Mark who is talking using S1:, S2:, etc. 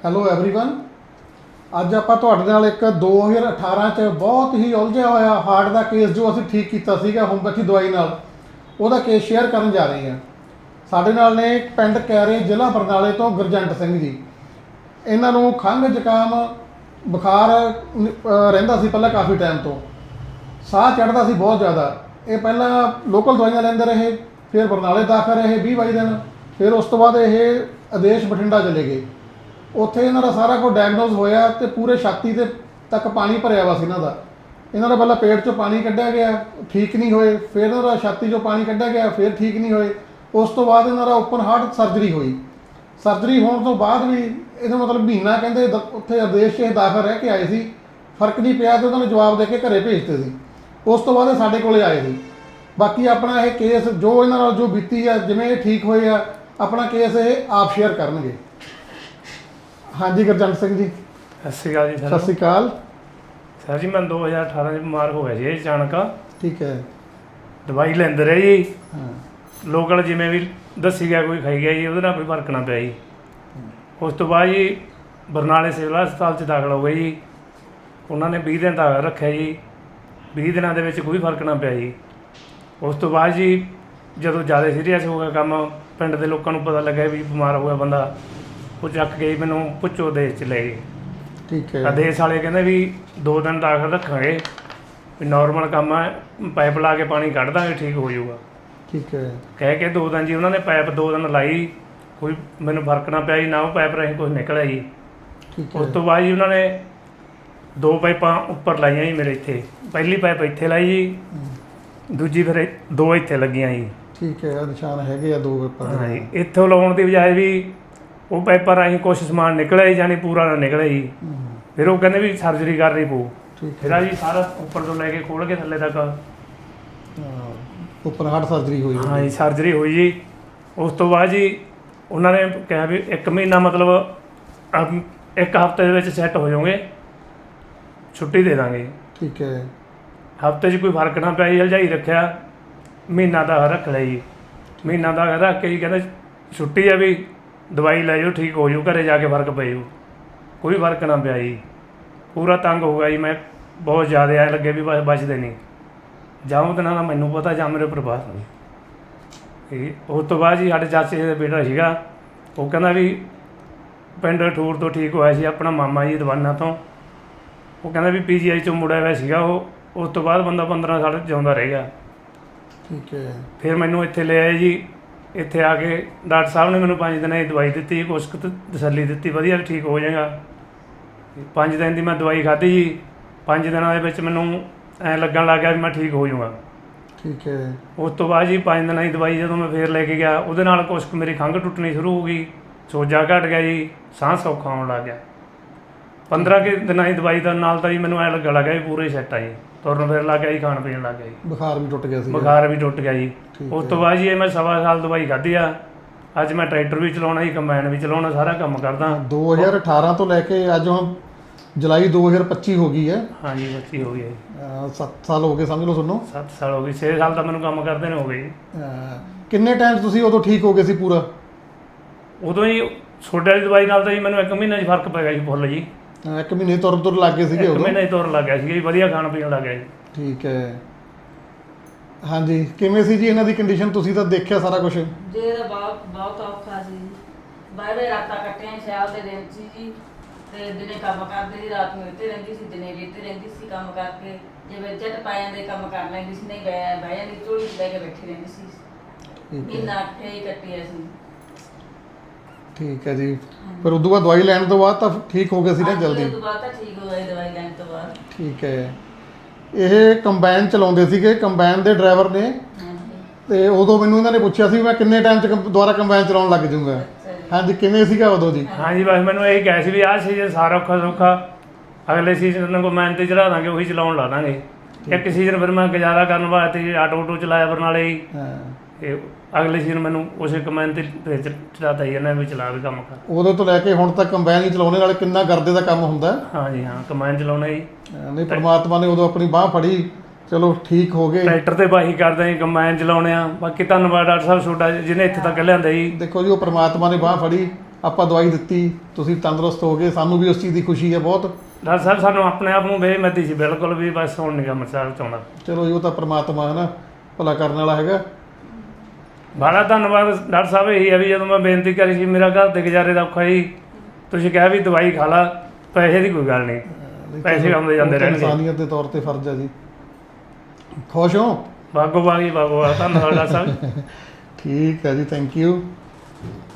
S1: Hello everyone. ਅੱਜ ਆਪਾਂ ਤੁਹਾਡੇ ਨਾਲ ਇੱਕ 2018 ਚ ਬਹੁਤ ਹੀ ਉਲਝਿਆ ਹੋਇਆ ਹਾਰਟ ਦਾ ਕੇਸ ਜੋ ਅਸੀਂ ਠੀਕ ਕੀਤਾ ਸੀਗਾ ਹੋਮਪੈਥੀ ਦਵਾਈ ਨਾਲ, ਉਹਦਾ ਕੇਸ ਸ਼ੇਅਰ ਕਰਨ ਜਾ ਰਹੇ ਹਾਂ। ਸਾਡੇ ਨਾਲ ਨੇ ਪਿੰਡ ਕੈਰੇ, ਜ਼ਿਲ੍ਹਾ ਬਰਨਾਲੇ ਤੋਂ ਗੁਰਜੰਟ ਸਿੰਘ ਜੀ। ਇਹਨਾਂ ਨੂੰ ਖੰਘ ਜ਼ੁਕਾਮ ਬੁਖਾਰ ਰਹਿੰਦਾ ਸੀ ਪਹਿਲਾਂ ਕਾਫੀ ਟਾਈਮ ਤੋਂ, ਸਾਹ ਚੜ੍ਹਦਾ ਸੀ ਬਹੁਤ ਜ਼ਿਆਦਾ। ਇਹ ਪਹਿਲਾਂ ਲੋਕਲ ਦਵਾਈਆਂ ਲੈਂਦੇ ਰਹੇ, ਫਿਰ ਬਰਨਾਲੇ ਦਾਖਲ ਰਹੇ 20-22 ਦਿਨ, ਫਿਰ ਉਸ ਤੋਂ ਬਾਅਦ ਇਹ ਆਦੇਸ਼ ਬਠਿੰਡਾ ਚਲੇ ਗਏ। ਉੱਥੇ ਇਹਨਾਂ ਦਾ ਸਾਰਾ ਕੁਝ ਡਾਇਗਨੋਜ਼ ਹੋਇਆ ਤੇ ਪੂਰੇ ਛਾਤੀ ਤੇ ਤੱਕ ਪਾਣੀ ਭਰਿਆ ਵਾ ਸੀ ਇਹਨਾਂ ਦਾ। ਇਹਨਾਂ ਦਾ ਪਹਿਲਾਂ ਪੇਟ 'ਚੋਂ ਪਾਣੀ ਕੱਢਿਆ ਗਿਆ, ਠੀਕ ਨਹੀਂ ਹੋਏ। ਫਿਰ ਇਹਨਾਂ ਦਾ ਛਾਤੀ 'ਚੋਂ ਪਾਣੀ ਕੱਢਿਆ ਗਿਆ, ਫਿਰ ਠੀਕ ਨਹੀਂ ਹੋਏ। ਉਸ ਤੋਂ ਬਾਅਦ ਇਹਨਾਂ ਦਾ ਓਪਨ ਹਾਰਟ ਸਰਜਰੀ ਹੋਈ। ਸਰਜਰੀ ਹੋਣ ਤੋਂ ਬਾਅਦ ਵੀ ਇਹਦਾ ਮਤਲਬ ਮਹੀਨਾ ਕਹਿੰਦੇ ਉੱਥੇ ਆਦੇਸ਼ 'ਚ ਇਹ ਦਾਖਲ ਰਹਿ ਕੇ ਆਏ ਸੀ, ਫਰਕ ਨਹੀਂ ਪਿਆ ਤੇ ਉਹਨਾਂ ਨੇ ਜਵਾਬ ਦੇ ਕੇ ਘਰੇ ਭੇਜਤੇ ਸੀ। ਉਸ ਤੋਂ ਬਾਅਦ ਇਹ ਸਾਡੇ ਕੋਲੇ ਆਏ ਸੀ। ਬਾਕੀ ਆਪਣਾ ਇਹ ਕੇਸ ਜੋ ਇਹਨਾਂ ਨਾਲ ਜੋ ਬੀਤੀ ਆ, ਜਿਵੇਂ ਇਹ ਠੀਕ ਹੋਏ ਆ, ਆਪਣਾ ਕੇਸ ਇਹ ਆਪ ਸ਼ੇਅਰ ਕਰਨਗੇ। ਹਾਂਜੀ ਗੁਰਜੰਟ ਸਿੰਘ ਜੀ,
S2: ਸਤਿ ਸ਼੍ਰੀ ਅਕਾਲ ਜੀ।
S1: ਸਤਿ ਸ਼੍ਰੀ ਅਕਾਲ
S2: ਸਰ ਜੀ, ਮੈਂ 2018 ਚ ਬਿਮਾਰ ਹੋ ਗਿਆ ਜੀ ਅਚਾਨਕ।
S1: ਠੀਕ ਹੈ।
S2: ਦਵਾਈ ਲੈਂਦੇ ਰਹੇ ਜੀ,
S1: ਹਾਂ।
S2: ਲੋਕਲ ਜਿਵੇਂ ਵੀ ਦੱਸੀ ਗਿਆ ਕੋਈ ਖਾਈ ਗਿਆ ਜੀ, ਉਹਦੇ ਨਾਲ ਕੋਈ ਫਰਕ ਨਾ ਪਿਆ ਜੀ। ਉਸ ਤੋਂ ਬਾਅਦ ਜੀ ਬਰਨਾਲੇ ਸਿਵਲ ਹਸਪਤਾਲ 'ਚ ਦਾਖਲ ਹੋ ਗਏ ਜੀ। ਉਹਨਾਂ ਨੇ 20 ਦਿਨ ਦਾਖਲ ਰੱਖਿਆ ਜੀ। 20 ਦਿਨਾਂ ਦੇ ਵਿੱਚ ਕੋਈ ਫਰਕ ਨਾ ਪਿਆ ਜੀ। ਉਸ ਤੋਂ ਬਾਅਦ ਜੀ ਜਦੋਂ ਜ਼ਿਆਦਾ ਸੀਰੀਅਸ ਹੋ ਗਿਆ ਕੰਮ, ਪਿੰਡ ਦੇ ਲੋਕਾਂ ਨੂੰ ਪਤਾ ਲੱਗਿਆ ਵੀ ਬਿਮਾਰ ਹੋ ਗਿਆ ਬੰਦਾ, ਉਹ ਚੱਕ ਕੇ ਮੈਨੂੰ ਪੁੱਛੋ ਦੇਸ਼ 'ਚ ਲੈ ਗਏ।
S1: ਠੀਕ ਹੈ।
S2: ਆਦੇਸ਼ ਵਾਲੇ ਕਹਿੰਦੇ ਵੀ 2 ਦਿਨ ਦਾਖਲ ਰੱਖਾਂਗੇ, ਵੀ ਨੋਰਮਲ ਕੰਮ ਹੈ, ਪਾਈਪ ਲਾ ਕੇ ਪਾਣੀ ਕੱਢ ਦਾਂਗੇ, ਠੀਕ ਹੋ ਜਾਊਗਾ।
S1: ਠੀਕ ਹੈ।
S2: ਕਹਿ ਕੇ 2 ਦਿਨ ਜੀ ਉਹਨਾਂ ਨੇ ਪਾਈਪ 2 ਦਿਨ ਲਾਈ, ਕੋਈ ਮੈਨੂੰ ਫਰਕ ਨਾ ਪਿਆ ਜੀ, ਨਾ ਉਹ ਪਾਈਪ ਰਾਹੀਂ ਕੁਛ ਨਿਕਲਿਆ ਜੀ।
S1: ਠੀਕ
S2: ਉਸ
S1: ਹੈ।
S2: ਤੋਂ ਬਾਅਦ ਜੀ ਉਹਨਾਂ ਨੇ 2 ਪਾਈਪਾਂ ਉੱਪਰ ਲਾਈਆਂ ਜੀ ਮੇਰੇ ਇੱਥੇ। ਪਹਿਲੀ ਪਾਈਪ ਇੱਥੇ ਲਾਈ ਜੀ, ਦੂਜੀ ਫਿਰ 2 ਇੱਥੇ ਲੱਗੀਆਂ ਜੀ।
S1: ਠੀਕ ਹੈ। ਨਿਸ਼ਾਨ ਹੈਗੇ ਆ 2 ਪੇਪਰ।
S2: ਹਾਂ ਜੀ, ਇੱਥੋਂ ਲਾਉਣ ਦੀ ਬਜਾਏ ਵੀ ਉਹ ਪਾਈਪਾਂ ਰਾਹੀਂ ਕੁਛ ਸਮਾਨ ਨਿਕਲਿਆ ਜੀ, ਜਾਨੀ ਪੂਰਾ ਨਾ ਨਿਕਲਿਆ ਜੀ। ਫਿਰ ਉਹ ਕਹਿੰਦੇ ਵੀ ਸਰਜਰੀ ਕਰਨੀ ਪਊ।
S1: ਠੀਕ
S2: ਫਿਰ ਆ ਜੀ ਸਾਰਾ ਉੱਪਰ ਤੋਂ ਲੈ ਕੇ ਖੋਲ ਕੇ ਥੱਲੇ ਤੱਕ
S1: ਓਪਨ ਹਾਰਟ ਸਰਜਰੀ ਹੋਈ।
S2: ਹਾਂ ਜੀ, ਸਰਜਰੀ ਹੋਈ ਜੀ। ਉਸ ਤੋਂ ਬਾਅਦ ਜੀ ਉਹਨਾਂ ਨੇ ਕਿਹਾ ਵੀ 1 ਮਹੀਨਾ ਮਤਲਬ 1 ਹਫ਼ਤੇ ਦੇ ਵਿੱਚ ਸੈੱਟ ਹੋ ਜਾਓਗੇ, ਛੁੱਟੀ ਦੇ ਦਾਂਗੇ।
S1: ਠੀਕ ਹੈ।
S2: ਹਫ਼ਤੇ 'ਚ ਕੋਈ ਫਰਕ ਨਾ ਪਿਆ ਜੀ, ਹਲਜਾਈ ਰੱਖਿਆ। ਮਹੀਨਾ ਦਾ ਰੱਖ ਲਿਆ ਜੀ। ਮਹੀਨਾ ਦਾ ਰੱਖ ਕੇ ਜੀ ਕਹਿੰਦੇ ਛੁੱਟੀ ਆ, ਵੀ ਦਵਾਈ ਲੈ ਜਾਓ, ਠੀਕ ਹੋ ਜਾਊ, ਘਰੇ ਜਾ ਕੇ ਫਰਕ ਪੈ ਜਾਊ। ਕੋਈ ਫਰਕ ਨਾ ਪਿਆ ਜੀ। ਪੂਰਾ ਤੰਗ ਹੋ ਗਿਆ ਜੀ ਮੈਂ, ਬਹੁਤ ਜ਼ਿਆਦਾ ਐਂ ਲੱਗੇ ਵੀ ਬਸ ਬਚਦੇ ਨਹੀਂ। ਜਾਂ ਉਹਦੇ ਨਾਲ ਮੈਨੂੰ ਪਤਾ ਜਾਂ ਮੇਰੇ ਪ੍ਰਭਾਸ ਨਹੀਂ। ਉਸ ਤੋਂ ਬਾਅਦ ਜੀ ਸਾਡੇ ਚਾਚੇ ਦਾ ਬੇਟਾ ਸੀਗਾ, ਉਹ ਕਹਿੰਦਾ ਵੀ ਪਿੰਡ ਠੂਰ ਤੋਂ ਠੀਕ ਹੋਇਆ ਸੀ ਆਪਣਾ ਮਾਮਾ ਜੀ ਦਵਾਨਾ ਤੋਂ। ਉਹ ਕਹਿੰਦਾ ਵੀ PGI 'ਚੋਂ ਮੁੜਿਆ ਹੋਇਆ ਸੀਗਾ ਉਹ। ਉਸ ਤੋਂ ਬਾਅਦ ਬੰਦਾ 15 ਸਾਲ ਜਿਉਂਦਾ ਰਹਿ ਗਿਆ।
S1: ਠੀਕ ਹੈ।
S2: ਫਿਰ ਮੈਨੂੰ ਇੱਥੇ ਲੈ ਆਏ ਜੀ। ਇੱਥੇ ਆ ਕੇ ਡਾਕਟਰ ਸਾਹਿਬ ਨੇ ਮੈਨੂੰ 5 ਦਿਨਾਂ ਦੀ ਦਵਾਈ ਦਿੱਤੀ, ਕੁਛ ਕੁ ਤਸੱਲੀ ਦਿੱਤੀ, ਵਧੀਆ ਠੀਕ ਹੋ ਜਾਏਗਾ। 5 ਦਿਨ ਦੀ ਮੈਂ ਦਵਾਈ ਖਾਧੀ ਜੀ। 5 ਦਿਨਾਂ ਦੇ ਵਿੱਚ ਮੈਨੂੰ ਐਂ ਲੱਗਣ ਲੱਗ ਗਿਆ ਵੀ ਮੈਂ ਠੀਕ ਹੋ ਜਾਊਗਾ।
S1: ਠੀਕ ਹੈ।
S2: ਉਸ ਤੋਂ ਬਾਅਦ ਜੀ 5 ਦਿਨਾਂ ਦੀ ਦਵਾਈ ਜਦੋਂ ਮੈਂ ਫੇਰ ਲੈ ਕੇ ਗਿਆ, ਉਹਦੇ ਨਾਲ ਕੁਛ ਕੁ ਮੇਰੀ ਖੰਘ ਟੁੱਟਣੀ ਸ਼ੁਰੂ ਹੋ ਗਈ, ਸੋਜਾ ਘਟ ਗਿਆ ਜੀ, ਸਾਹ ਸੌਖਾ ਆਉਣ ਲੱਗ ਗਿਆ। 15 ਕੁ ਦਿਨਾਂ ਦੀ ਦਵਾਈ ਦਾ ਨਾਲ ਤਾਂ ਜੀ ਮੈਨੂੰ ਐਂ ਲੱਗਣ ਲੱਗ ਗਿਆ ਵੀ ਪੂਰੇ ਸੈੱਟ ਆ ਜੀ। ਤੁਰਨ ਫਿਰ ਲੱਗ ਗਿਆ ਜੀ, ਖਾਣ ਪੀਣ ਲੱਗ ਗਿਆ ਜੀ।
S1: ਬੁਖਾਰ ਵੀ ਟੁੱਟ ਗਿਆ ਸੀ।
S2: ਬੁਖਾਰ ਵੀ ਟੁੱਟ ਗਿਆ ਜੀ।
S1: ਠੀਕ
S2: ਉਸ
S1: ਹੈ।
S2: ਤੋਂ ਬਾਅਦ ਜੀ ਇਹ ਮੈਂ 1.25 ਸਾਲ ਦਵਾਈ ਖਾਧੀ ਆ। ਅੱਜ ਮੈਂ ਟਰੈਕਟਰ ਵੀ ਚਲਾਉਣਾ ਜੀ, ਕੰਬਾਈਨ ਵੀ ਚਲਾਉਣਾ, ਸਾਰਾ ਕੰਮ ਕਰਦਾ।
S1: 2018 ਤੋਂ ਲੈ ਕੇ ਅੱਜ ਹੁਣ ਜੁਲਾਈ 2025 ਹੋ ਗਈ ਹੈ।
S2: ਹਾਂਜੀ, 25 ਹੋ ਗਈ ਜੀ।
S1: 7 ਸਾਲ ਹੋ ਗਏ ਸਮਝ ਲਓ ਤੁਹਾਨੂੰ।
S2: 7 ਸਾਲ ਹੋ ਗਏ, 6 ਸਾਲ ਤਾਂ ਮੈਨੂੰ ਕੰਮ ਕਰਦੇ ਨੇ ਹੋ ਗਏ ਜੀ।
S1: ਕਿੰਨੇ ਟਾਈਮ ਤੁਸੀਂ ਉਦੋਂ ਠੀਕ ਹੋ ਗਏ ਸੀ ਪੂਰਾ?
S2: ਉਦੋਂ ਹੀ ਛੋਟੇ ਵਾਲੀ ਦਵਾਈ ਨਾਲ ਤਾਂ ਜੀ ਮੈਨੂੰ 1 ਮਹੀਨੇ 'ਚ ਫਰਕ ਪੈ ਗਿਆ ਜੀ, ਫੁੱਲ ਜੀ।
S1: 1 ਮਹੀਨੇ ਤੁਰ ਲੱਗ ਗਏ ਸੀਗੇ
S2: 1
S1: ਉਦੋਂ?
S2: ਮਹੀਨੇ 'ਚ ਤੁਰਨ ਲੱਗ ਗਿਆ ਸੀ ਜੀ, ਵਧੀਆ ਖਾਣ ਪੀਣ ਲੱਗ ਗਿਆ ਜੀ।
S1: ਠੀਕ ਹੈ। ਹਾਂਜੀ, ਕਿਵੇਂ ਸੀ ਜੀ ਇਹਨਾਂ ਦੀ ਕੰਡੀਸ਼ਨ? ਤੁਸੀਂ ਤਾਂ ਦੇਖਿਆ ਸਾਰਾ ਕੁਝ।
S3: ਜੀ ਇਹਦਾ ਬਹੁਤ ਔਖਾ ਸੀ ਜੀ। ਬਾਹਰੇ ਰਾਤਾਂ ਕੱਟੀਆਂ ਸਿਆਲ ਦੇ ਦਿਨ ਸੀ ਜੀ, ਤੇ ਦਿਨੇ ਕੰਮ ਕਰਦੀ ਸੀ, ਰਾਤ ਨੂੰ ਇੱਥੇ ਰਹਿੰਦੀ ਸੀ, ਦਿਨੇ ਵੀ ਇੱਥੇ ਰਹਿੰਦੀ ਸੀ ਕੰਮ ਕਰਕੇ। ਜੇ ਝਟ ਪੈ ਜਾਂਦੇ ਕੰਮ ਕਰ ਲੈਂਦੀ ਸੀ, ਨਹੀਂ ਬਹਿ ਜਾਂਦੀ, ਝੋਲੀ 'ਚ ਲੈ ਕੇ ਬੈਠੀ ਰਹਿੰਦੀ ਸੀ। ਮਹੀਨਾ ਅੱਠੇ ਹੀ ਕੱਟਿਆ ਸੀ।
S1: ਠੀਕ ਹੈ ਜੀ। ਪਰ ਉਦੋਂ ਬਾਅਦ ਦਵਾਈ ਲੈਣ ਤੋਂ ਬਾਅਦ ਤਾਂ ਠੀਕ ਹੋ ਗਏ ਸੀ ਨਾ ਜਲਦੀ?
S3: ਉਸ ਤੋਂ ਬਾਅਦ ਤਾਂ ਠੀਕ ਹੋ ਗਈ ਦਵਾਈ ਲੈਣ ਤੋਂ ਬਾਅਦ।
S1: ਠੀਕ ਹੈ। ਇਹ ਕੰਬਾਈਨ ਚਲਾਉਂਦੇ ਸੀਗੇ, ਕੰਬਾਈਨ ਦੇ ਡਰਾਈਵਰ ਨੇ, ਤੇ ਉਦੋਂ ਮੈਨੂੰ ਇਹਨਾਂ ਨੇ ਪੁੱਛਿਆ ਸੀ ਮੈਂ ਕਿੰਨੇ ਟਾਈਮ 'ਚ ਦੁਬਾਰਾ ਕੰਬਾਈਨ ਚਲਾਉਣ ਲੱਗ ਜਾਊਂਗਾ। ਹਾਂਜੀ, ਕਿਵੇਂ ਸੀਗਾ ਉਦੋਂ ਜੀ?
S2: ਹਾਂਜੀ, ਬਸ ਮੈਨੂੰ ਇਹ ਕਿਹਾ ਸੀ ਵੀ ਆਹ ਸੀਜ਼ਨ ਸਾਰਾ ਔਖਾ ਸੌਖਾ, ਅਗਲੇ ਸੀਜ਼ਨ ਨੂੰ ਕੰਬਾਈਨ 'ਤੇ ਚੜਾ ਦਾਂਗੇ, ਉਹੀ ਚਲਾਉਣ ਲਾ ਦਾਂਗੇ। ਇੱਕ ਸੀਜ਼ਨ ਫਿਰ ਮੈਂ ਗੁਜ਼ਾਰਾ ਕਰਨ ਵਾਸਤੇ ਆਟੋ ਚਲਾਇਆ ਬਰਨਾਲੇ ਜੀ।
S1: ਹਾਂ।
S2: ਤੇ ਅਗਲੇ ਸੀਜ਼ਨ ਮੈਨੂੰ ਉਸੇ ਕੰਬਾਈਨ 'ਤੇ ਫਿਰ ਚਲਾਤਾ ਜੀ ਇਹਨਾਂ ਵੀ ਚਲਾ ਵੀ ਕੰਮ ਕਰ।
S1: ਉਦੋਂ ਤੋਂ ਲੈ ਕੇ ਹੁਣ ਤੱਕ ਕੰਬਾਈਨ ਹੀ ਚਲਾਉਣੇ ਨਾਲ ਕਿੰਨਾ ਗਰਦੇ ਦਾ ਕੰਮ ਹੁੰਦਾ।
S2: ਹਾਂਜੀ ਹਾਂ, ਕੰਬਾਈਨ ਚਲਾਉਣਾ ਜੀ।
S1: ਨਹੀਂ, ਪਰਮਾਤਮਾ ਨੇ ਉਦੋਂ ਆਪਣੀ ਬਾਹ ਫੜੀ, ਚਲੋ ਠੀਕ ਹੋ ਗਏ।
S2: ਟਰੈਕਟਰ ਤੇ ਬਾਹੀ ਕਰਦੇ ਜੀ, ਕੰਬਾਈਨ ਚਲਾਉਣੇ ਆ। ਬਾਕੀ ਧੰਨਵਾਦ ਡਾਕਟਰ ਸਾਹਿਬ ਤੁਹਾਡਾ ਜਿਹਨੇ ਇੱਥੇ ਤੱਕ ਲਿਆਂਦਾ ਜੀ।
S1: ਦੇਖੋ ਜੀ, ਉਹ ਪਰਮਾਤਮਾ ਨੇ ਬਾਹ ਫੜੀ ਆਪਾਂ ਦਵਾਈ ਦਿੱਤੀ, ਤੁਸੀਂ ਤੰਦਰੁਸਤ ਹੋ ਗਏ, ਸਾਨੂੰ ਵੀ ਉਸ ਚੀਜ਼ ਦੀ ਖੁਸ਼ੀ ਹੈ ਬਹੁਤ।
S2: ਡਾਕਟਰ ਸਾਹਿਬ ਸਾਨੂੰ ਆਪਣੇ ਆਪ ਨੂੰ ਬੇਮਤੀ ਸੀ ਬਿਲਕੁਲ ਵੀ, ਬਸ ਹੁਣ ਨਹੀਂ ਕੰਮ ਸਾਹਿਬ ਚਾਹੁੰਦਾ।
S1: ਚਲੋ ਜੀ, ਉਹ ਤਾਂ ਪ੍ਰਮਾਤਮਾ ਹੈ ਨਾ, ਭਲਾ ਕਰਨ ਵਾਲਾ ਹੈਗਾ।
S2: ਬੜਾ ਧੰਨਵਾਦ ਡਾਕਟਰ ਸਾਹਿਬ। ਇਹੀ ਹੈ ਵੀ ਜਦੋਂ ਮੈਂ ਬੇਨਤੀ ਕਰੀ ਸੀ ਮੇਰਾ ਘਰ ਦੇ ਗੁਜ਼ਾਰੇ ਦਾ ਔਖਾ ਜੀ, ਤੁਸੀਂ ਕਿਹਾ ਵੀ ਦਵਾਈ ਖਾ ਲਾ, ਪੈਸੇ ਦੀ ਕੋਈ ਗੱਲ ਨਹੀਂ, ਪੈਸੇ ਆਉਂਦੇ ਜਾਂਦੇ ਰਹਿਣਗੇ।
S1: ਇਨਸਾਨੀਅਤ ਦੇ ਤੌਰ ਤੇ ਫਰਜ਼ ਹੈ ਜੀ। ਖੁਸ਼ ਹੋ?
S2: ਬਾਗੋ ਬਾਗ ਜੀ, ਬਾਗੋ ਬਾਗ। ਧੰਨਵਾਦ ਡਾਕਟਰ ਸਾਹਿਬ।
S1: ਠੀਕ ਹੈ ਜੀ, ਥੈਂਕ ਯੂ।